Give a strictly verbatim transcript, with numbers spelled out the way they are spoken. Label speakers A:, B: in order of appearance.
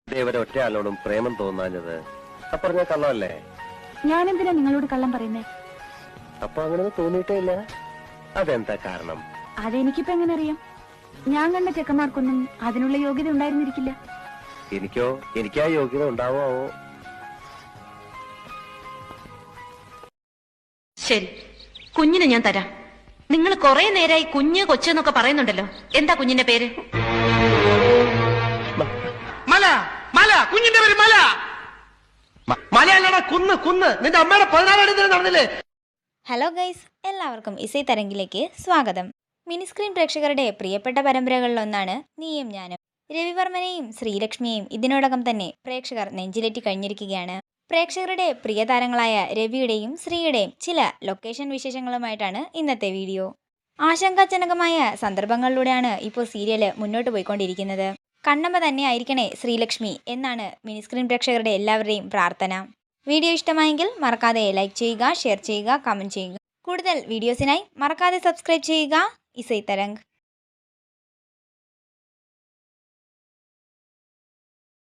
A: ദേവരെ ഒറ്റ ആളോടും പ്രേമം തോന്നാഞ്ഞത് അപ്പറഞ്ഞ കള്ളമല്ലേ?
B: ഞാൻ എന്തിനാ നിങ്ങളോട് കള്ളം പറയുന്നേ?
A: അപ്പൊ അങ്ങനെ തോന്നിയിട്ടേ ഇല്ല. അതെന്താ കാരണം?
B: അതെനിക്കിപ്പോ എങ്ങനെ അറിയാം? ഞാൻ കണ്ട ചെക്കന്മാർക്കൊന്നും അതിനുള്ള യോഗ്യത ഉണ്ടായിരുന്നിരിക്കില്ല.
A: എനിക്കോ? എനിക്ക് ആ യോഗ്യത ഉണ്ടാവോ?
C: ശരി, കുഞ്ഞിനെ ഞാൻ തരാം. നിങ്ങൾ കുറെ നേരമായി കുഞ്ഞ് കൊച്ചെന്നൊക്കെ പറയുന്നുണ്ടല്ലോ. എന്താ കുഞ്ഞിന്റെ പേര്?
D: മല മല കുഞ്ഞിന്റെ പേര് മല. മലയല്ലടാ, കുന്ന് കുന്ന്. നിന്റെ അമ്മയുടെ പതിനാലാം തീയതി നടന്നില്ലേ?
E: ഹലോ ഗൈസ്, എല്ലാവർക്കും ഇസൈ തരംഗിലേക്ക് സ്വാഗതം. മിനി സ്ക്രീൻ പ്രേക്ഷകരുടെ പ്രിയപ്പെട്ട പരമ്പരകളിലൊന്നാണ് നീയും ഞാനും. രവിവർമ്മനെയും ശ്രീലക്ഷ്മിയെയും ഇതിനോടകം തന്നെ പ്രേക്ഷകർ നെഞ്ചിലേറ്റി കഴിഞ്ഞിരിക്കുകയാണ്. പ്രേക്ഷകരുടെ പ്രിയ താരങ്ങളായ രവിയുടെയും ശ്രീയുടെയും ചില ലൊക്കേഷൻ വിശേഷങ്ങളുമായിട്ടാണ് ഇന്നത്തെ വീഡിയോ. ആശങ്കാജനകമായ സന്ദർഭങ്ങളിലൂടെയാണ് ഇപ്പോൾ സീരിയല് മുന്നോട്ട് പോയിക്കൊണ്ടിരിക്കുന്നത്. കണ്ണമ്മ തന്നെ ആയിരിക്കണേ ശ്രീലക്ഷ്മി എന്നാണ് മിനി സ്ക്രീൻ പ്രേക്ഷകരുടെ എല്ലാവരുടെയും പ്രാർത്ഥന. വീഡിയോ ഇഷ്ടമായെങ്കിൽ മറക്കാതെ ലൈക്ക് ചെയ്യുക, ഷെയർ ചെയ്യുക, കമൻറ്റ് ചെയ്യുക. കൂടുതൽ വീഡിയോസിനായി മറക്കാതെ സബ്സ്ക്രൈബ് ചെയ്യുക ഇസൈ തരംഗ്.